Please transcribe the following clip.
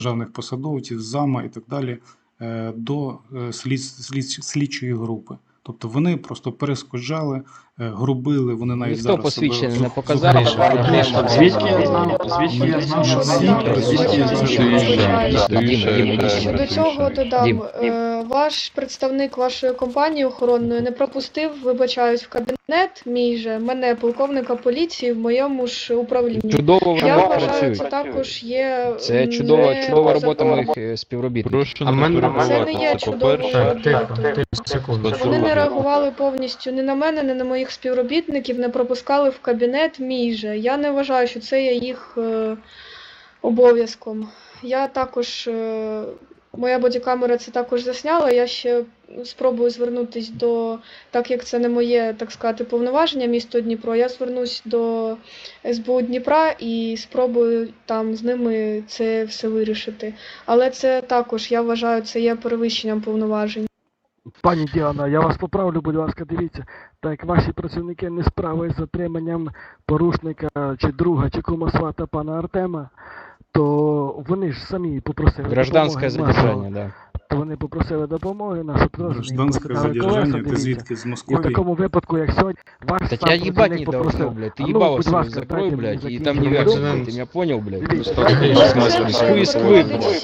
державних посадовців, зама і так далі до слідчої групи. Тобто вони просто перешкоджали, грубили, вони навіть Ніхто зараз посвідчення себе не показав. Звідки я знав, що До цього додам, ваш представник вашої компанії охоронної не пропустив, вибачаюсь, в кабінет мій же, мене, полковника поліції, в моєму ж управлінні. Чудово Я вони вважаю, працюють. це також є Це не чудова по робота закону. моїх співробітників. Прошу А не мене Це не є перебивати, це чудовою по-перше. роботою. Секунду. Вони не реагували повністю ні на мене, ні на моїх співробітників, не пропускали в кабінет мій же. Я не вважаю, що це є їх обов'язком. Я також, моя бодікамера це також засняла, я ще спробую звернутися до, так як це не моє, так сказати, повноваження місто Дніпро, я звернусь до СБУ Дніпра і спробую там з ними це все вирішити. Але це також, я вважаю, це є перевищенням повноважень. Пані Діана, я вас поправлю, будь ласка, дивіться, так як ваші працівники не справились з затриманням порушника чи друга, чи кума свата пана Артема, то вони ж самі попросили Гражданське допомоги задержання, нашого. да. То вони попросили допомоги, нашу теж. Гражданське задержання, ти звідки, з І в Московії? такому випадку, як сьогодні, ваш Так сам я ебать працівник не попросив. должно, блядь. Ты А ну, ебало будь себе ласка, закрой, дайте мені блядь, и там закінчити не думку. вяжется. Ты меня понял, блядь? Це Из Москвы, блядь.